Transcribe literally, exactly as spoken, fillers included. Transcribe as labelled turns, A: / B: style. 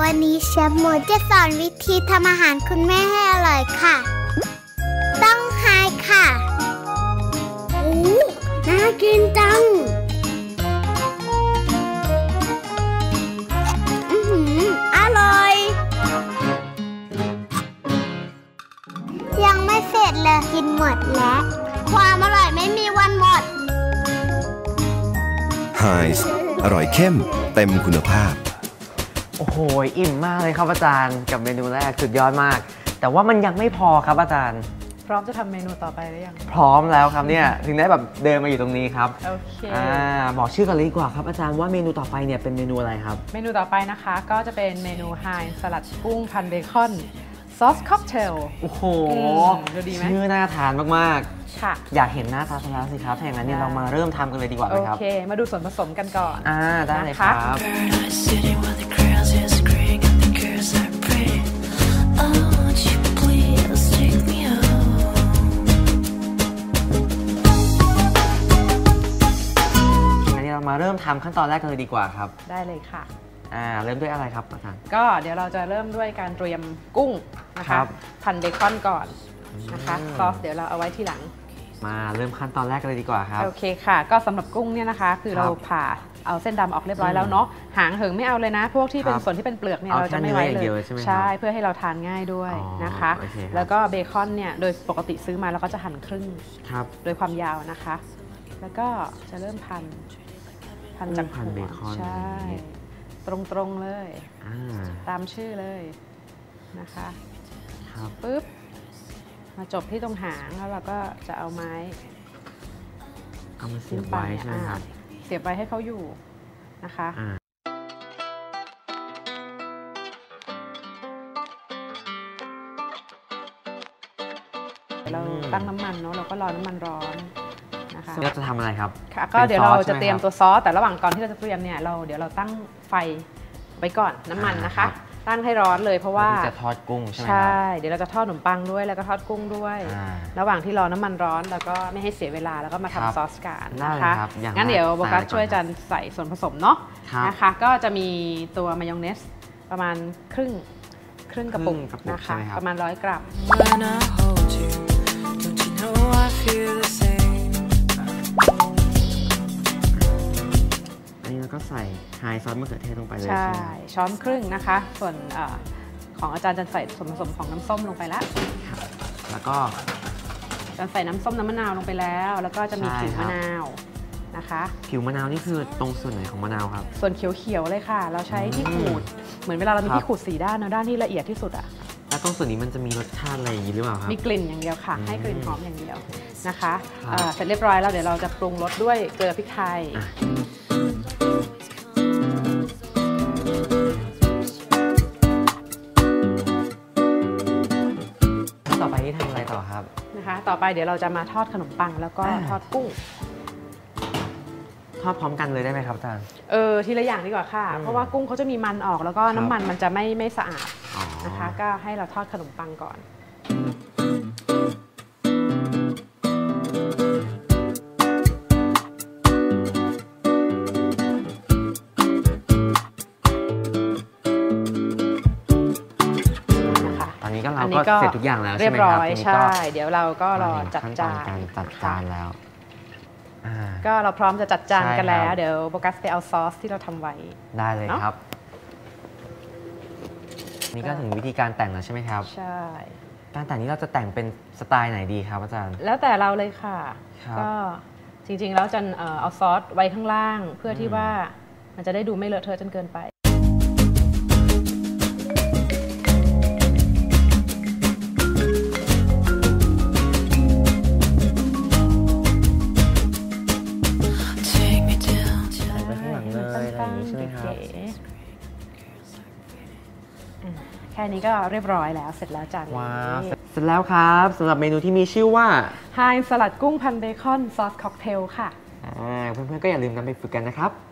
A: วันนี้เชฟโมจะสอนวิธีทำอาหารคุณแม่ให้อร่อยค่ะต้องไฮค่ะโอ้น่ากินจังอือหืออร่อยยังไม่เสร็จเลยกินหมดแล้วความอร่อยไม่มีวันหมด
B: ไฮส์อร่อยเข้มเต็มคุณภาพ
C: โอ้โหอิ่มมากเลยครับอาจารย์กับเมนูแรกสุดยอดมากแต่ว่ามันยังไม่พอครับอาจารย์
D: พร้อมจะทำเมนูต่อไปหรือยัง
C: พร้อมแล้วครับเนี่ยถึงได้แบบเดินมาอยู่ตรงนี้ครับ
D: โอเค
C: อ่าบอกชื่อกันเลยดีกว่าครับอาจารย์ว่าเมนูต่อไปเนี่ยเป็นเมนูอะไรครับ
D: เมนูต่อไปนะคะก็จะเป็นเมนูไฮสลัดกุ้งพันเบคอนซอสค็อกเทล
C: โอ้โห
D: ดูดีไหม
C: ชื่อน่าทานมาก
D: ๆค่ะ
C: อยากเห็นหน้าตาซะแล้วสิครับถ้าอย่างนั้นเนี่ยเรามาเริ่มทำกันเลยดีกว่าไหมครับ
D: โอเคมาดูส่วนผสมกันก่อน
C: อ่าได้เลยครับมาเริ่มทำขั้นตอนแรกกันเลยดีกว่าครับ
D: ได้เลยค่ะ
C: อ่าเริ่มด้วยอะไรครับอาจารย์
D: ก็เดี๋ยวเราจะเริ่มด้วยการเตรียมกุ้งนะคะพันเบคอนก่อนนะคะซอสเดี๋ยวเราเอาไว้ทีหลัง
C: มาเริ่มขั้นตอนแรกกันเลยดีกว่าครับ
D: โอเคค่ะก็สำหรับกุ้งเนี่ยนะคะคือเราผ่าเอาเส้นดำออกเรียบร้อยแล้วเนาะหางเหิงไม่เอาเลยนะพวกที่เป็นส่วนที่เป็นเปลือกเนี่ยเราจะไม่ไว้เลยใช่เพื่อให้เราทานง่ายด้วยนะคะแล้วก็เบคอนเนี่ยโดยปกติซื้อมาเราก็จะหั่นครึ่งโดยความยาวนะคะแล้วก็จะเริ่มพันพันจากหัวใช่ตรงๆเลยตามชื่อเลยนะคะปึ๊บมาจบที่ตรงหางแล้วเราก็จะเอาไม้
C: เอามาเสียบไว้ใช่ไหมครับ
D: เสียบไว้ให้เขาอยู่นะคะเราตั้งน้ำมันเนาะเราก็รอน้ำมันร้อน
C: เราจะทำอะไรครับ
D: ก็เดี๋ยวเราจะเตรียมตัวซอสแต่ระหว่างก่อนที่เราจะเตรียมเนี่ยเราเดี๋ยวเราตั้งไฟไว้ก่อนน้ำมันนะคะตั้งให้ร้อนเลยเพราะว่า
C: จะทอดกุ้งใช่ไหม
D: ใช่เดี๋ยวเราจะทอดขนมปังด้วยแล้วก็ทอดกุ้งด้วยระหว่างที่รอน้ำมันร้อนแล้วก็ไม่ให้เสียเวลาแล้วก็มาทำซอสกันนะคะงั้นเดี๋ยวโบกัสช่วยจันใส่ส่วนผสมเนาะนะคะก็จะมีตัวมายองเนสประมาณครึ่งครึ่งกระปุกนะคะประมาณร้อยกรัม
C: ก็ใส่ไฮซอสมะเขือเทศลงไปเลย
D: ใช่ช้อนครึ่งนะคะส่วนอของอาจารย์จะใส่ส่วนผสมของน้ำส้มลงไปแล้ว
C: แล้วก็
D: จะใส่น้ำส้มน้ำมะนาวลงไปแล้วแล้วก็จะมีผิวมะนาวนะคะ
C: ผิวมะนาวนี่คือตรงส่วนไหนของมะนาวครับ
D: ส่วนเขียวๆเลยค่ะเราใช้ที่ขูดเหมือนเวลาเรามีที่ขูดสีด้านนะด้านที่ละเอียดที่สุดอะ
C: แล้วตรงส่วนนี้มันจะมีรสชาติอะไรอย่างนี้หรือเปล่าครับ
D: มีกลิ่นอย่างเดียวค่ะให้กลิ่นหอมอย่างเดียวนะคะเสร็จเรียบร้อยแล้วเดี๋ยวเราจะปรุงรสด้วยเกลือพริกไทย
C: ต่อไปนี่ทำอะไรต่อครับ
D: นะคะต่อไปเดี๋ยวเราจะมาทอดขนมปังแล้วก็ทอดกุ้ง
C: ทอดพร้อมกันเลยได้ไหมครับอาจารย์
D: เออทีละอย่างดีกว่าค่ะเพราะว่ากุ้งเขาจะมีมันออกแล้วก็น้ำมันมันจะไม่ไม่สะอาดนะคะก็ให้เราทอดขนมปังก่อน
C: อันนี้ก็เราก็เสร็จทุกอย่างแล้วใช่ไหมครับ
D: เรียบร้อยใช่เดี๋ยวเราก็รอจัดจาน
C: การจัดจานแล้ว
D: ก็เราพร้อมจะจัดจานกันแล้วเดี๋ยวโบกัสไปเอาซอสที่เราทำไว้
C: ได้เลยครับนี่ก็ถึงวิธีการแต่งแล้วใช่ไหมครับ
D: ใช่
C: การแต่งนี้เราจะแต่งเป็นสไตล์ไหนดีครับอาจารย์
D: แล้วแต่เราเลยค่ะก็จริงๆแล้วจะเอาซอสไว้ข้างล่างเพื่อที่ว่ามันจะได้ดูไม่เลอะเทอะจนเกินไปแค่นี้ก็เรียบร้อยแล้วเสร็จแล้วจาน
C: ว้าวเสร็จแล้วครับสำหรับเมนูที่มีชื่อว่า
D: ไฮสลัดกุ้งพันเบคอนซอสค็อกเทลค่ะ
C: เพื่อนๆก็อย่าลืมนำไปฝึกกันนะครับ